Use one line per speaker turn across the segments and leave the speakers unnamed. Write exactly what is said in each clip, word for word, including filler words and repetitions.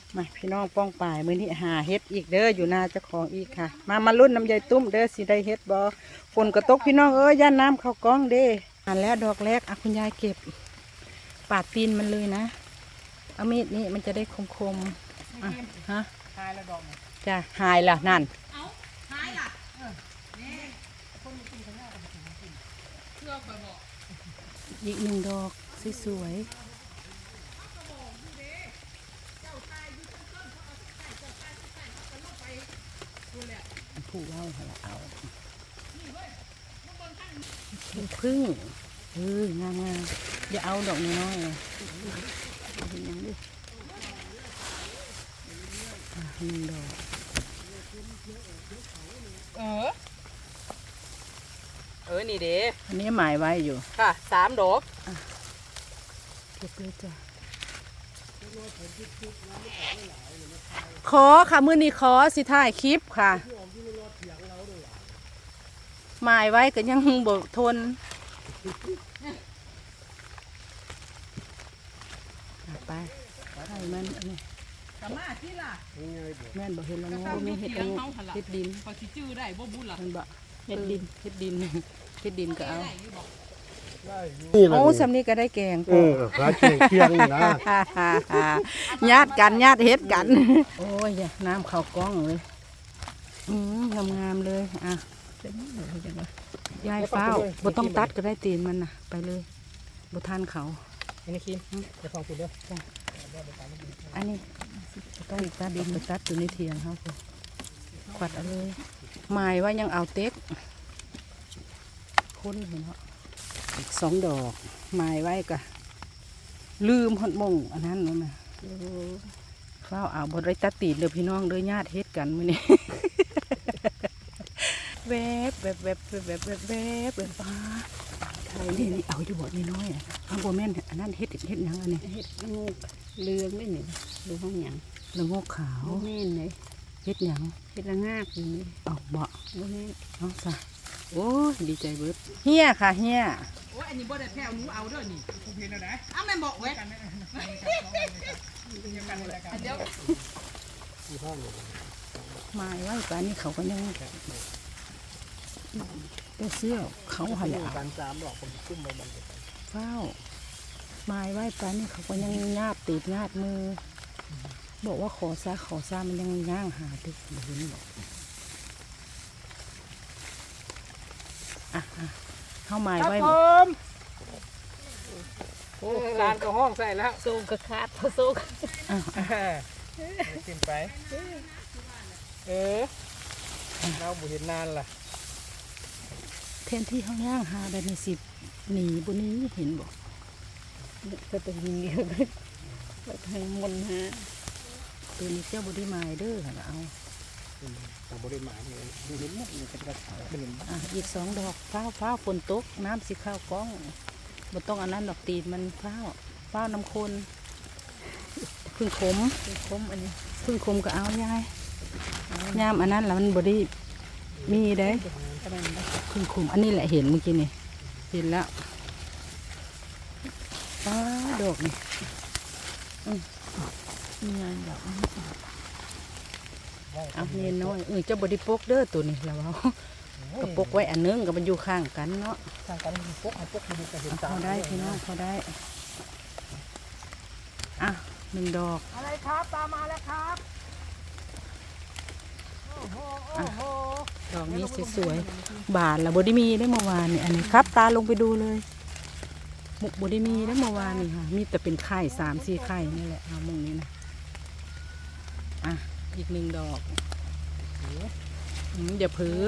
มาพี่น้องป้องป่ายมื้อนี้หาเฮ็ดอีกเด้ออยู่นาเจ้าของอีกค่ะมามาลุ้นน้ำใยตุ้มเด้อสิได้เฮ็ดบ่ฝนก็ตกพี่น้องเอ้ยย่านน้ำเข้ากองเด้อ่านแล้วดอกแรกอ่ะคุณยายเก็บปาดตีนมันเลยนะเอามีดนี่มันจะได้คมๆอ่ะฮะหายแล้วดอกจ้ะหายละนั่นเอาหายละเออนี่คนกินข้าวเหนียวกับกินเชื่อคอยบอกอีกหนึ่งดอกสวยๆผู้เล่าเอาเป็นพึ่งเอองามงามอย่าเอาดอกน้อยๆเลยเป็นยังดิหนึ่งดอกเออเออนี่เด้อันนี้หมายไว้อยู่ค่ะสามดอกเก็บเลยจ้ะขอค่ะมือนี้ขอสิถ่ายคลิปค่ะหมายไว้ก็ยังบกทนไปให้มันอันนี้กะมาที่ล่ะแม่นบอกเห็นแล้วเนาะไม่เห็ดเอาเห็ดดินพอสิจื้อได้บ่บุญล่ะมันบอกเห็ดดินเห็ดดินเห็ดดินก็เอาโอ้สำนี้ก็ได้แกงเออขาเคียงเคียงนะญาติกันญาติเฮ็ดกันโอ้ยน้ำเข้ากล้องเลยอืมงามๆเลยอ่ะยายเฝ้าบ่ต้องตัดก็ได้ตีนมันนะไปเลยบ่ทานเขาอันนี้คิมจะฟังคุณเด้ออันนี้ต้องตัดดินไปตัดอยู่ในเทียงเขาคือขวัดเอาเลยหมายว่ายังเอาเต็กค้นเห็นเหรออีกสองดอกหมายไว้ก็ลืมหดมงอันนั้นนั่นนะเฝ้าเอาบดไรตัดตีนเด้อพี่น้องเด้อญาติเฮ็ดกันมื้อนี้แวบแวบแวบแวบแวบแวบแวบป้าไทยนี่นี่เอาอยู่บ่นี่น้อยอ่ะข้างบนแม่นอันนั้นเฮ็ดเฮ็ดยังอันนี้เฮ็ดงูเลืองได้หนิดูห้องหยังเลืองงูขาวแม่นเลยเฮ็ดยังเฮ็ดละงากอย่างนี้ออกบ่บ่แม่นน้องสะโอ้ดีใจเบิดเฮียค่ะเฮียโอ้อันนี้บ่ได้แพ้วหนูเอาเด้อนี่ผมเห็นแล้วนะอ้าวแม่บอกไว้เดี๋ยวมาไว้ป่านนี้เขาก็ยังเสื้อเขาหันเอาเฝ้าไม้ไว้ป่านนี้เขาก็ยังงาบติดงาบมือบอกว่าขอซาขอซามันยังย่างหาติดอยู่นี่บอกอ่ะเข้าไม้ไว้โอ้ลานก็ห้องใส่แล้วโซ่กระคาดพอโซ่อ่ะกินไปเออเราบุเห็นนานล่ะแทนที่ห้องย่างหาได้ในสิบหนีบนนี้เห็นบอกจะเป็นยิงเดียวกันทางมนฮะตัวนี้เจ้าบริไม้เด้อค่ะเอาแต่บริไม้เนี่ยเห็นหมดเลยเป็นกระถางเป็นอ่ะอีกสองดอกฟ้าฟ้าฝนตกน้ำสีข้าวกล้องบนต้องอันนั้นดอกตีนมันฟ้าฟ้าน้ำคนพึ่งขมพึ่งขมอันนี้พึ่งขมก็เอายายยามอันนั้นแล้วมันบริมีได้พึ่งขมอันนี้แหละเห็นเมื่อกี้นี่เห็นแล้วฟ้าดอกนี่นี่ไงดอกเอาเนียนน้อยเออเจ้าบไดิปกเด้อตัวนี้แล้วเอากระปกไว้อันนึงกับมันอยู่ข้างกันเนาะข้างกันมีปกเอาปกดูจะเห็นเขาได้พี่น้องเขาได้อ่ะหนึ่งดอกอะไรครับตามมาแล้วครับดอกนี้สวยๆบานแล้วบไดิมีได้เมื่อวานนี่อันนี้ครับตาลงไปดูเลยหมกบไดิมีได้เมื่อวานนี่ค่ะมีแต่เป็นไข่สามสี่ไข่นี่แหละเอามงนี้นะอ่ะอีกหนึ่งดอกอย่าเผือ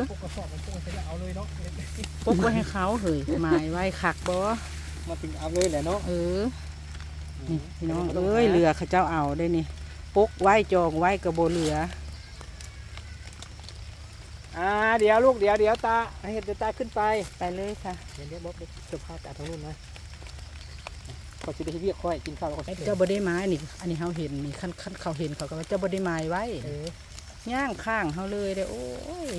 ปกไว้ให้เขาเหยหมายไว้ขักบ่มาถึงเอาเลยแหละเนาะเออนี่พี่น้องเอ้ยเรือเขาเจ้าเอาได้นี่ปกไว้จองไว้กระโบเรืออ่าเดี๋ยวลูกเดี๋ยวเดี๋ยวตาให้เดี๋ยวตาขึ้นไปไปเลยค่ะเดี๋ยวเดี๋ยวบ๊อบเสื้อผ้าจากทางนู้นนะเขาจะได้เรียกค่อยกินข้าวแล้วก็เจ้าบไดิไม้นี่อันนี้เขาเห็นนี่ขั้นขั้นเขาเห็นเขาก็เจ้าบไดิไม้ไว้ย่างข้างเขาเลยเด้อโอ้ย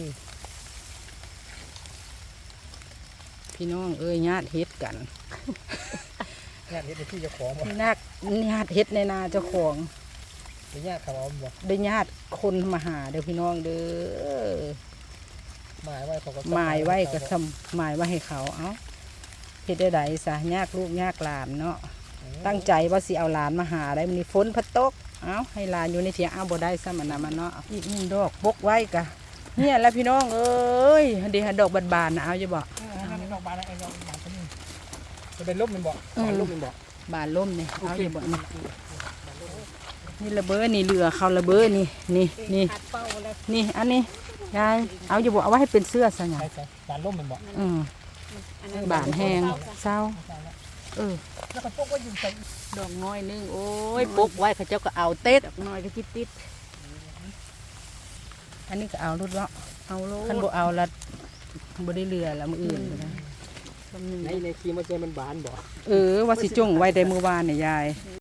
พี่น้องเอ้ยญาติเฮ็ดกันญาติเฮ็ดในที่เจ้าของญาติญาติเฮ็ดในนาเจ้าของได้ญาติเขาเอาบ่
ได้ญาติคนมาหาเด้อพี่น้องเด้อ
หมายไว้เขาก็
หมายไว้ก็ทำหมายไว้ให้เขาเอ้าเฮ็ดได้ไดซะยากลูกยากหลานเนาะตั้งใจว่าสิเอาหลานมาหาได้มื้อนี้ฝนพัดตกเอ้าให้หลานอยู่ในเถียงเอาบ่ได้ซะมันน่ะมันเนาะอีกหนึ่งดอกปกไว้กะเนี่ยแหละพี่น้องเอ้ยเดี๋ยวดอกบานๆนะเอาจะบอก
ให้ดอกบานไอ้ดอกบานตัวนี้จะเป็นลมเป็นบ่บานลมเป็นบ่
บานล่มนี่เอาจะบอกนี่นี่ระเบ้อนี่เรือเขาระเบ้อนี่นี่นี่นี่อันนี้ยายเอาจะบอกเอาไว้ให้เป็นเสื้อซะไง
ใช่ใช่บานลมเป็นบ่
อืมบานแห้งเศร้าเออ
แล้วก็พวกว่าอยู่ใส่
ดอกน้อยนึงโอ้ยปกไว้เขาเจ้าก็เอาเต็ดดอกน้อยก็ติดติดอันนี้ก็เอารุดละเอาลูกคันบ่เอาละบ่ได้เรือละมืออื่นก็ได้
ในในครีมมันจะมันบานบ่
เออว่าสิจงไว้ได้มือวานเนี่ยยาย